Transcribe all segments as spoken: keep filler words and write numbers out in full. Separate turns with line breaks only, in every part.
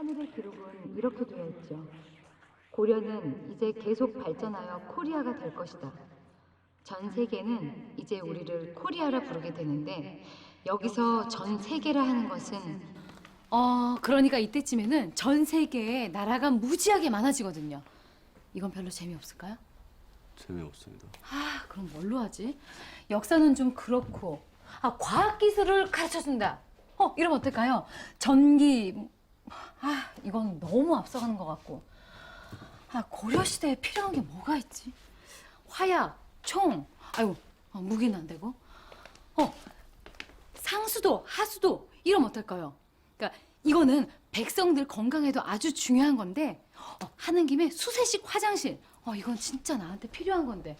하늘의 기록은 이렇게 되어 있죠. 고려는 이제 계속 발전하여 코리아가 될 것이다. 전 세계는 이제 우리를 코리아라 부르게 되는데 여기서 전 세계라 하는 것은
어, 그러니까 이때쯤에는 전 세계에 나라가 무지하게 많아지거든요. 이건 별로 재미없을까요?
재미없습니다.
아, 그럼 뭘로 하지? 역사는 좀 그렇고, 아, 과학기술을 가르쳐준다. 어, 이러면 어떨까요? 전기, 아, 이건 너무 앞서가는 것 같고. 아, 고려시대에 필요한 게 뭐가 있지? 화약, 총, 아이고, 어, 무기는 안 되고. 어, 상수도, 하수도, 이러면 어떨까요? 그러니까 이거는 백성들 건강에도 아주 중요한 건데, 어, 하는 김에 수세식 화장실. 어, 이건 진짜 나한테 필요한 건데.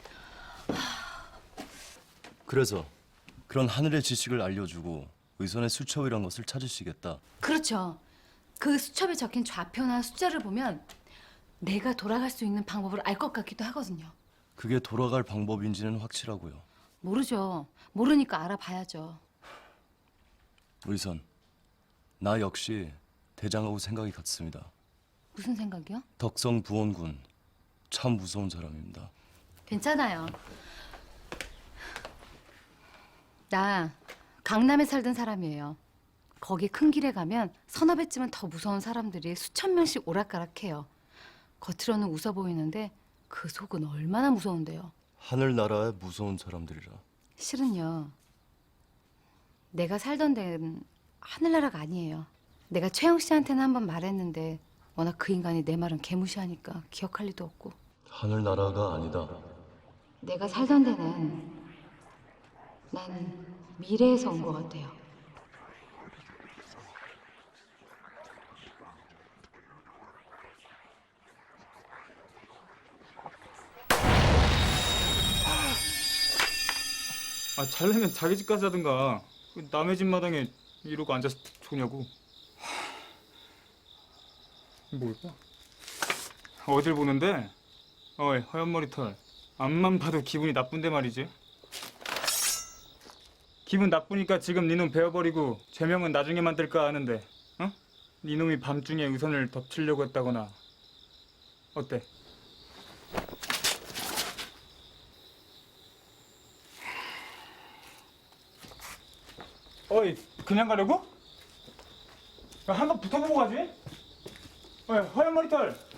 그래서 그런 하늘의 지식을 알려주고 의선의 수첩이란 것을 찾으시겠다.
그렇죠. 그 수첩에 적힌 좌표나 숫자를 보면 내가 돌아갈 수 있는 방법을 알 것 같기도 하거든요.
그게 돌아갈 방법인지는 확실하고요.
모르죠. 모르니까 알아봐야죠.
의선, 나 역시 대장하고 생각이 같습니다.
무슨 생각이요?
덕성 부원군 참 무서운 사람입니다.
괜찮아요. 나 강남에 살던 사람이에요. 거기 큰 길에 가면 서너 배쯤은 더 무서운 사람들이 수천 명씩 오락가락해요. 겉으로는 웃어 보이는데 그 속은 얼마나 무서운데요.
하늘나라의 무서운 사람들이라.
실은요. 내가 살던 데는 하늘나라가 아니에요. 내가 최영 씨한테는 한번 말했는데 워낙 그 인간이 내 말은 개무시하니까 기억할 리도 없고.
하늘나라가 아니다.
내가 살던 데는 난 미래에서 온 것 같아요.
아, 잘내면 자기 집 가서 하든가. 왜 남의 집 마당에 이러고 앉아서 좋냐고. 뭘 봐? 어딜 보는데? 어이, 허연 머리털. 앞만 봐도 기분이 나쁜데 말이지. 기분 나쁘니까 지금 니놈 베어버리고 죄명은 나중에 만들까 하는데, 어? 니놈이 밤중에 의선을 덮치려고 했다거나. 어때? 어이, 그냥 가려고? 야, 한번 붙어보고 가지? 어이, 허연 머리털.